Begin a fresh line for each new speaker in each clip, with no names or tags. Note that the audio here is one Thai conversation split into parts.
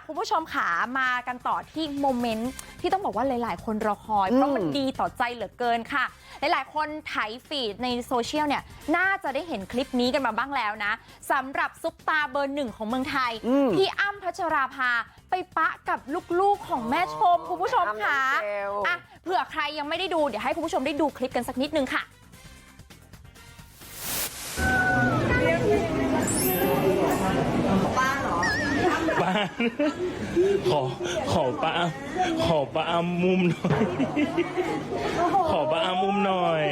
คุณผู้ชมขามากันต่อที่โมเมนต์ที่ต้องบอกว่าหลายๆคนรอคอยเพราะมันดีต่อใจเหลือเกินค่ะหลายๆคนไถฟีดในโซเชียลเนี่ยน่าจะได้เห็นคลิปนี้กันมาบ้างแล้วนะสำหรับซุปตาเบอร์หนึ่งของเมืองไทยพี่อ้ำพัชราภาไปปะกับลูกๆของแม่ชมคุณผู้ชมค่ะอ่ะเผื่อใครยังไม่ได้ดูเดี๋ยวให้คุณผู้ชมได้ดูคลิปกันสักนิดนึงค่ะ
ป้าขอป้าอ้ำมุมหน่อยขอป้าอ้ำมุมหน่อย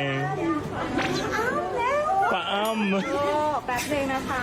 ป้าอ้ำ
แป๊บนึงนะคะ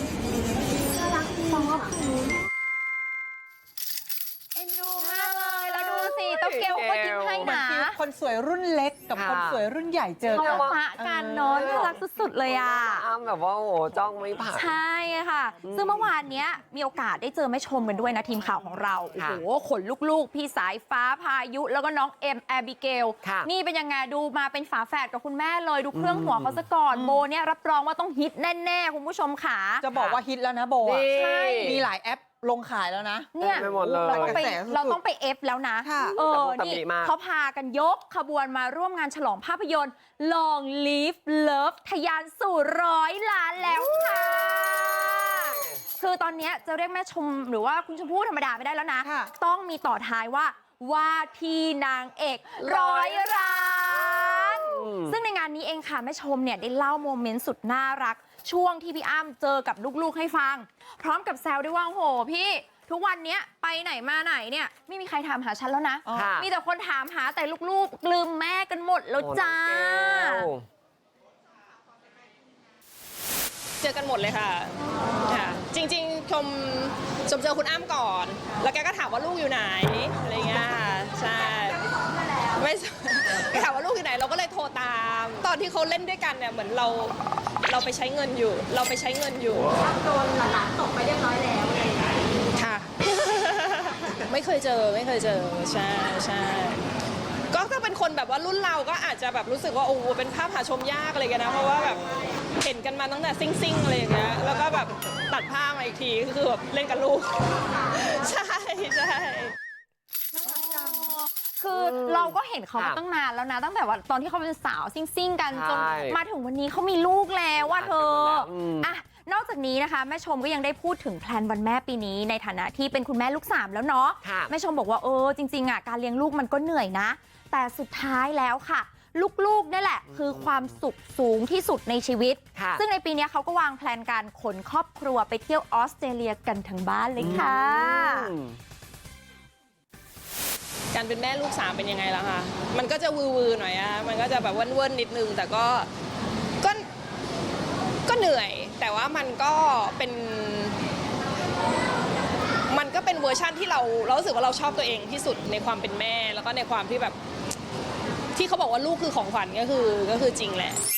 เอ็นดูมากเลยแล้วดูสิเต้าเกลก็ยิ้มให้นะ
คนสวยรุ่นเล็กกับคนสวยรุ่นใหญ่เจอกัน
ปะกันเนาะน่ารักสุดๆเลยอ่ะ
อ้ำแบบว่าโอ้โหจ้องไม่ผ่าน
ใช่ค่ะซึ่งเมื่อวานเนี้ยมีโอกาสได้เจอแม่ชมกันด้วยนะทีมข่าวของเราโอ้โหขนลูกๆพี่สายฟ้าพายุแล้วก็น้องเอ็มแอบิเกลนี่เป็นยังไงดูมาเป็นฝาแฝดกับคุณแม่เลยดูเครื่องหัวเขาซะก่อนโบเนี่ยรับรองว่าต้องฮิตแน่ๆคุณผู้ชมค่ะ
จะบอกว่าฮิตแล้วนะโบ
ใช่
มีหลายแอปลงขายแล้วนะ
เนี่ยเราต้องไปเอฟแล้วนะนี่เขาพากันยกขบวนมาร่วมงานฉลองภาพยนตร์ Long Live Love ทะยานสู่100 ล้านแล้วค่ะคือตอนนี้จะเรียกแม่ชมหรือว่าคุณชมพู่ธรรมดาไม่ได้แล้วนะต้องมีต่อท้ายว่าที่นางเอก100 ล้านซึ่งในงานนี้เองค่ะแม่ชมเนี่ยได้เล่าโมเมนต์สุดน่ารักช่วงที่พี่อ้ำเจอกับลูกๆให้ฟังพร้อมกับแซวด้วยว่าโหพี่ทุกวันนี้ไปไหนมาไหนเนี่ยไม่มีใครถามหาฉันแล้วนะมีแต่คนถามหาแต่ลูกๆลืมแม่กันหมดแล้วจ้า
เจอกันหมดเลยค่ะจริงๆชมเจอคุณอ้ำก่อนแล้วแกก็ถามว่าลูกอยู่ไหนอะไรเงี้ยใช่ไม่แกถามว่าลูกอยู่ไหนเราก็เลยโทรตามตอนที่เขาเล่นด้วยกันเนี่ยเหมือนเราไปใช้เงินอยู่โดนหลานตกไปเรียบร้อยแล้วค่ะ ไม่เคยเจอใช่ก็ถ้าเป็นคนแบบว่ารุ่นเราก็อาจจะแบบรู้สึกว่าโอ้เป็นภาพหาชมยากอะไรกันนะเพราะว่าแบบเห็นกันมาตั้งแต่ซิ่งอะไรอย่างเงี้ยแล้วก็แบบตัดภาพมาอีกทีคือแบบเล่นกับลูกใช่
คือเราก็เห็นเขามาตั้งนานแล้วนะตั้งแต่ว่าตอนที่เขาเป็นสาวซิ่งกันจนมาถึงวันนี้เขามีลูกแล้วว่าเธออ่ะนอกจากนี้นะคะแม่ชมก็ยังได้พูดถึงแพลนวันแม่ปีนี้ในฐานะที่เป็นคุณแม่ลูก3แล้วเนาะแม่ชมบอกว่าจริงๆอ่ะการเลี้ยงลูกมันก็เหนื่อยนะแต่สุดท้ายแล้วค่ะลูกๆนี่แหละคือความสุขสูงที่สุดในชีวิตซึ่งในปีนี้เขาก็วางแพลนการขนครอบครัวไปเที่ยวออสเตรเลียกันทั้งบ้านเลยค่ะ
การเป็นแม่ลูก3เป็นยังไงล่ะคะมันก็จะวือๆหน่อยอะมันก็จะแบบเว่นๆนิดนึงแต่ก็เหนื่อยแต่ว่ามันก็เป็นเวอร์ชั่นที่เรารู้สึกว่าเราชอบตัวเองที่สุดในความเป็นแม่แล้วก็ในความที่แบบที่เขาบอกว่าลูกคือของขวัญก็คือจริงแหละ